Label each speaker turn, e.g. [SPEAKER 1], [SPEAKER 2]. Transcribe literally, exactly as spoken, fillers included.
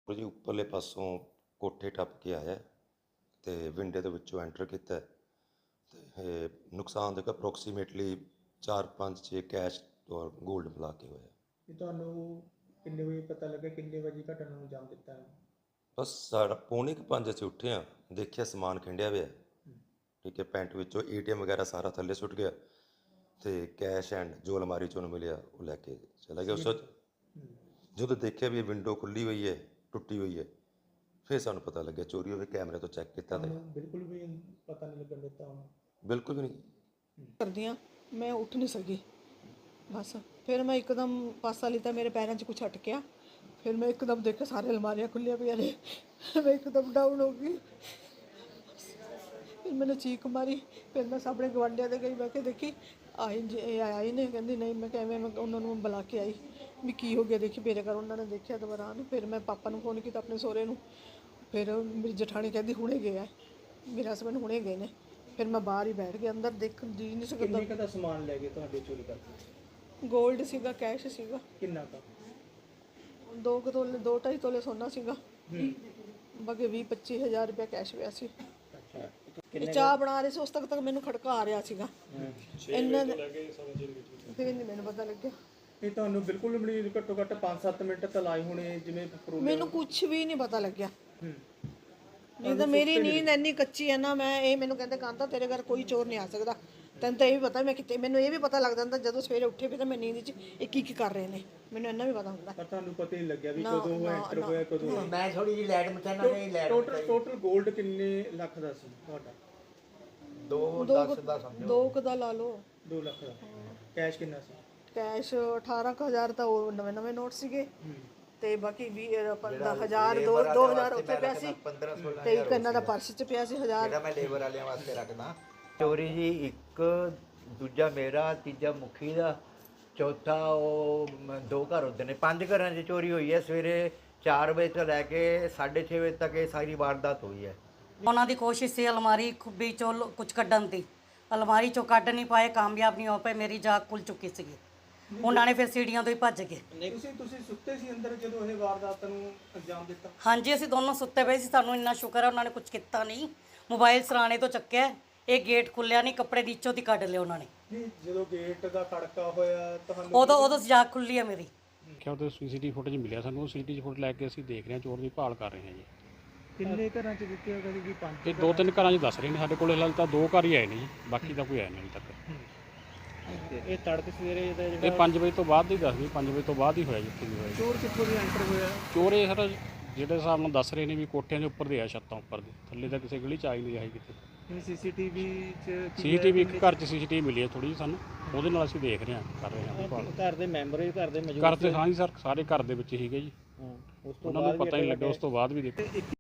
[SPEAKER 1] ਜੀ ਉੱਪਰਲੇ ਪਾਸੋਂ ਕੋਠੇ ਟੱਪ ਕੇ ਆਇਆ ਤੇ ਵਿੰਡੇ ਦੇ ਵਿੱਚੋਂ ਐਂਟਰ ਕੀਤਾ ਤੇ ਇਹ ਨੁਕਸਾਨ ਦੇਖੋ ਅਪਰੋਕਸੀਮੇਟਲੀ ਚਾਰ ਪੰਜ ਛੇ ਕੈਸ਼ ਔਰ ਗੋਲਡ ਮਿਲਾ ਕੇ ਹੋਇਆ।
[SPEAKER 2] ਇਹ ਤੁਹਾਨੂੰ ਕਿੰਨੇ ਵਜੇ ਪਤਾ ਲੱਗਾ, ਕਿੰਨੇ ਵਜੇ ਘਟਨਾ ਨੂੰ ਅੰਜਾਮ ਦਿੱਤਾ ਹੈ?
[SPEAKER 1] ਬਸ ਸਾਡਾ ਪੌਣੇ ਕੁ ਪੰਜ ਅਸੀਂ ਉੱਠੇ ਹਾਂ, ਦੇਖਿਆ ਸਮਾਨ ਖਿੰਡਿਆ ਹੋਇਆ, ਠੀਕ ਹੈ, ਪੈਂਟ ਵਿੱਚੋਂ ਏ ਟੀ ਐਮ ਵਗੈਰਾ ਸਾਰਾ ਥੱਲੇ ਸੁੱਟ ਗਿਆ ਤੇ ਕੈਸ਼ ਐਂਡ ਜੋ ਅਲਮਾਰੀ 'ਚੋਂ ਉਹਨੂੰ ਮਿਲਿਆ ਉਹ ਲੈ ਕੇ ਚਲਾ ਗਿਆ। ਉਸ ਤੋਂ ਜਦੋਂ ਦੇਖਿਆ ਵੀ ਵਿੰਡੋ ਖੁੱਲੀ ਹੋਈ ਹੈ, ਟੁੱਟੀ ਹੋਈ ਹੈ, ਫਿਰ ਸਾਨੂੰ ਪਤਾ ਲੱਗਿਆ ਚੋਰੀ ਹੋਵੇ। ਕੈਮਰੇ ਤੋਂ ਚੈੱਕ ਕੀਤਾ ਤਾਂ
[SPEAKER 2] ਬਿਲਕੁਲ ਵੀ ਪਤਾ ਨਹੀਂ ਲੱਗਣ ਦਿੱਤਾ ਉਹਨੂੰ?
[SPEAKER 1] ਬਿਲਕੁਲ ਵੀ ਨਹੀਂ।
[SPEAKER 3] ਕਰਦੀਆਂ ਮੈਂ ਉੱਠ ਨਹੀਂ ਸਕੀ ਬਸ। ਫਿਰ ਮੈਂ ਇੱਕਦਮ ਪਾਸਾ ਲਿੱਤਾ, ਮੇਰੇ ਪੈਰਾਂ 'ਚ ਕੁਛ ਅਟਕਿਆ। ਫਿਰ ਮੈਂ ਇੱਕਦਮ ਦੇਖਿਆ ਸਾਰੇ ਅਲਮਾਰੀਆਂ ਖੁੱਲੀਆਂ ਪਈਆਂ ਨੇ। ਮੈਂ ਇੱਕਦਮ ਡਾਊਨ ਹੋ ਗਈ। ਫਿਰ मैंने चीख मारी। फिर मैं सामने गवांढिया दे गई, मैं देखी आई जे आई ने, कहती नहीं। मैं किवें मैं उन्होंने बुला के आई भी की हो गया, देखी मेरे घर। उन्होंने देखा दौरान। फिर मैं पापा नूं फोन किया अपने सहुरे नूं। फिर मेरी जठानी कहती हुणे गया है, मेरे हसबैंड हुणे गए ने। फिर मैं बाहर ही बैठ गया, अंदर देख जी नहीं सकता।
[SPEAKER 2] ਕਿੰਨੇ ਦਾ ਸਮਾਨ ਲੈ ਗਏ ਤੁਹਾਡੇ ਚੋਰੀ ਕਰਕੇ?
[SPEAKER 3] गोल्ड सीगा, कैश सीगा।
[SPEAKER 2] ਕਿੰਨਾ का?
[SPEAKER 3] दो कुछ तोले, दो ढाई तोले सोना सीगा। बाकी ਵੀਹ ਪੱਚੀ ਹਜ਼ਾਰ रुपया कैश पिया सी। ਇਹ ਚਾਹ ਬਣਾ ਰਹੇ ਸੀ, ਉਸ ਤੱਕ ਤੱਕ ਮੈਨੂੰ ਖੜਕਾ ਆ ਰਿਹਾ ਸੀਗਾ। ਇਹਨਾਂ ਨੇ ਫਿਰ ਨਹੀਂ ਮੈਨੂੰ ਪਤਾ ਲੱਗਿਆ।
[SPEAKER 2] ਇਹ ਤੁਹਾਨੂੰ ਬਿਲਕੁਲ ਵੀ ਨਹੀਂ, ਘੱਟੋ ਘੱਟ ਪੰਜ ਸੱਤ ਮਿੰਟ ਤਾਂ ਲਾਏ ਹੋਣੇ ਜਿਵੇਂ
[SPEAKER 3] ਮੈਨੂੰ ਕੁਝ ਵੀ ਨਹੀਂ ਪਤਾ ਲੱਗਿਆ। ਨਹੀਂ ਤਾਂ ਮੇਰੀ ਨੀਂਦ ਇੰਨੀ ਕੱਚੀ ਹੈ ਨਾ, ਮੈਂ ਇਹ ਮੈਨੂੰ ਕਹਿੰਦੇ ਕਾਂਤਾ ਤੇਰੇ ਘਰ ਕੋਈ ਚੋਰ ਨਹੀਂ ਆ ਸਕਦਾ। ਤੈਨੂੰ ਤਾਂ ਇਹ ਵੀ ਪਤਾ ਮੈਂ ਕਿਤੇ, ਮੈਨੂੰ ਇਹ ਵੀ ਪਤਾ ਲੱਗ ਜਾਂਦਾ ਜਦੋਂ ਸਵੇਰੇ ਉੱਠੇ ਵੀ ਤਾਂ ਮੈਂ ਨੀਂਦ 'ਚ ਇਹ ਕੀ ਕੀ ਕਰ ਰਹੇ ਨੇ, ਮੈਨੂੰ ਇੰਨਾ ਵੀ ਪਤਾ ਹੁੰਦਾ।
[SPEAKER 2] ਪਰ ਤੁਹਾਨੂੰ ਪਤਾ ਹੀ ਲੱਗਿਆ ਵੀ ਕਦੋਂ ਉਹ ਐਂਟਰ ਹੋਇਆ, ਕਦੋਂ?
[SPEAKER 4] ਮੈਂ ਥੋੜੀ ਜਿਹੀ ਲਾਈਟ ਮਚਾਣਾ ਨਹੀਂ। ਲਾਈਟ
[SPEAKER 2] ਟੋਟਲ ਟੋਟਲ 골ਡ ਕਿੰਨੇ ਲੱਖ ਦਾ ਸੀ ਤੁਹਾਡਾ?
[SPEAKER 4] ਦੋ ਦਸ ਦਾ ਸਮਝੋ।
[SPEAKER 3] ਦੋ ਕੁ ਦਾ ਲਾ ਲਓ।
[SPEAKER 2] ਦੋ ਲੱਖ ਦਾ। ਕੈਸ਼ ਕਿੰਨਾ ਸੀ?
[SPEAKER 3] ਕੈਸ਼ ਅਠਾਰਾਂ ਕੁ ਹਜ਼ਾਰ ਤਾਂ ਉਹ ਨਵੇਂ ਨਵੇਂ ਨੋਟ ਸੀਗੇ ਤੇ ਬਾਕੀ ਵੀਹ ਹਜ਼ਾਰ ਦੋ ਦੋ ਹਜ਼ਾਰ ਉੱਥੇ ਪਿਆ ਸੀ ਤੇ ਇੱਕ ਇਹਨਾਂ ਦਾ ਪਰਸ 'ਚ ਪਿਆ ਸੀ ਹਜ਼ਾਰ।
[SPEAKER 4] ਜਿਹੜਾ ਮੈਂ ਲੇਬਰ ਵਾਲਿਆਂ ਵਾਸਤੇ ਰੱਖਦਾ। ਚੋਰੀ ਜੀ ਇੱਕ, ਦੂਜਾ ਮੇਰਾ, ਤੀਜਾ ਮੁਖੀ ਦਾ, ਚੌਥਾ ਉਹ ਦੋ ਘਰ ਹੁੰਦੇ ਨੇ। ਪੰਜ ਘਰਾਂ 'ਚ ਚੋਰੀ ਹੋਈ ਹੈ। ਸਵੇਰੇ ਚਾਰ ਵਜੇ ਤੋਂ ਲੈ ਕੇ ਸਾਢੇ ਛੇ ਵਜੇ ਤੱਕ ਇਹ ਸਾਰੀ ਵਾਰਦਾਤ ਹੋਈ ਹੈ।
[SPEAKER 5] ਉਹਨਾਂ ਦੀ ਕੋਸ਼ਿਸ਼ ਸੀ ਅਲਮਾਰੀ ਖੁੱਬੀ ਚੋਂ ਕੁਝ ਕੱਢਣ ਦੀ, ਅਲਮਾਰੀ ਚੋਂ ਕੱਢ ਨਹੀਂ ਪਾਏ, ਕਾਮਯਾਬ ਨਹੀਂ ਹੋ ਪਏ। ਮੇਰੀ ਜਾਗ ਖੁੱਲ ਚੁੱਕੀ ਸੀਗੀ, ਉਹਨਾਂ ਨੇ ਫਿਰ ਸੀੜੀਆਂ ਤੋਂ ਹੀ ਭੱਜ ਗਏ।
[SPEAKER 2] ਤੁਸੀਂ ਤੁਸੀਂ ਸੁੱਤੇ ਸੀ ਅੰਦਰ ਜਦੋਂ ਇਹ ਵਾਰਦਾਤ ਨੂੰ ਅੰਜਾਮ ਦਿੱਤਾ?
[SPEAKER 5] ਹਾਂਜੀ, ਅਸੀਂ ਦੋਨੋਂ ਸੁੱਤੇ ਪਏ ਸੀ। ਸਾਨੂੰ ਇੰਨਾ ਸ਼ੁਕਰ ਹੈ ਉਹਨਾਂ ਨੇ ਕੁਝ ਕੀਤਾ ਨਹੀਂ। ਮੋਬਾਈਲ ਸਰਾਣੇ ਤੋਂ ਚੱਕਿਆ, ਇਹ ਗੇਟ ਖੁੱਲਿਆ ਨਹੀਂ, ਕੱਪੜੇ ਦੀ ਇੱਚੋ ਦੀ ਕੱਢ ਲਿਆ ਉਹਨਾਂ ਨੇ।
[SPEAKER 2] ਨਹੀਂ, ਜਦੋਂ ਗੇਟ ਦਾ ਖੜਕਾ ਹੋਇਆ ਤੁਹਾਨੂੰ
[SPEAKER 5] ਉਦੋਂ ਉਦੋਂ ਜਾਗ ਖੁੱਲੀ ਹੈ ਮੇਰੀ।
[SPEAKER 6] ਕਿਹਾ ਉਹਦੇ ਸੀਸੀਟੀਵੀ ਫੁਟੇਜ ਮਿਲਿਆ ਸਾਨੂੰ, ਉਹ ਸੀਸੀਟੀਵੀ ਫੁਟੇਜ ਲੈ ਕੇ ਅਸੀਂ ਦੇਖ ਰਹੇ ਹਾਂ, ਚੋਰ ਦੀ ਭਾਲ ਕਰ ਰਹੇ ਹਾਂ ਜੀ।
[SPEAKER 2] ਕਿੰਨੇ ਘਰਾਂ 'ਚ ਦਿੱਤੇ ਹੋ ਕਦੀ? ਪੰਜ?
[SPEAKER 6] ਇਹ ਦੋ ਤਿੰਨ ਘਰਾਂ 'ਚ ਦੱਸ ਰਹੇ ਨੇ ਸਾਡੇ ਕੋਲ, ਹਾਲੇ ਤਾਂ ਦੋ ਘਰ ਹੀ ਆਏ ਨੇ ਜੀ, ਬਾਕੀ ਤਾਂ ਕੋਈ ਆਇਆ ਨਹੀਂ ਹਾਲੇ ਤੱਕ।
[SPEAKER 2] ਇਹ ਤੜਕੇ ਸਵੇਰੇ ਜਿਹੜਾ
[SPEAKER 6] ਇਹ ਪੰਜ ਵਜੇ ਤੋਂ ਬਾਅਦ ਦੀ ਦੱਸਦੀ, ਪੰਜ ਵਜੇ ਤੋਂ ਬਾਅਦ ਹੀ ਹੋਇਆ ਜਿੱਥੇ ਵੀ ਹੋਇਆ।
[SPEAKER 2] ਚੋਰ ਕਿੱਥੋਂ ਦੀ ਐਂਟਰ ਹੋਇਆ?
[SPEAKER 6] ਚੋਰ ਇਹ ਸਰ ਜਿਹੜੇ ਹਿਸਾਬ ਨਾਲ ਦੱਸ ਰਹੇ ਨੇ ਵੀ ਕੋਠਿਆਂ ਦੇ ਉੱਪਰ ਦੇ ਆ, ਛੱਤਾਂ ਉੱਪਰ ਦੇ, ਥੱਲੇ ਤਾਂ ਕਿਸੇ ਗਲੀ 'ਚ ਆਈ ਨਹੀਂ ਆਈ ਕਿਤੇ।
[SPEAKER 2] ਸੀਸੀਟੀਵੀ 'ਚ
[SPEAKER 6] ਸੀਸੀਟੀਵੀ ਇੱਕ ਘਰ 'ਚ ਸੀਸੀਟੀਵੀ ਮਿਲੀ ਹੈ ਥੋੜੀ ਜਿਹੀ ਸਾਨੂੰ, ਉਹਦੇ ਨਾਲ ਅਸੀਂ ਦੇਖ ਰਹੇ ਹਾਂ, ਕਰ ਰਹੇ ਹਾਂ ਭਾਲ।
[SPEAKER 2] ਘਰ ਦੇ ਮੈਂਬਰ ਹੀ ਘਰ ਦੇ ਮੌਜੂਦ?
[SPEAKER 6] ਘਰ ਤੇ ਹਾਂ ਜੀ ਸਰ, ਸਾਰੇ ਘਰ ਦੇ ਵਿੱਚ ਹੀਗੇ ਜੀ, ਉਹਨਾਂ ਨੂੰ ਪਤਾ ਹੀ ਨਹੀਂ ਲੱਗਾ। ਉਸ ਤੋਂ ਬਾਅਦ ਵੀ ਦੇਖੋ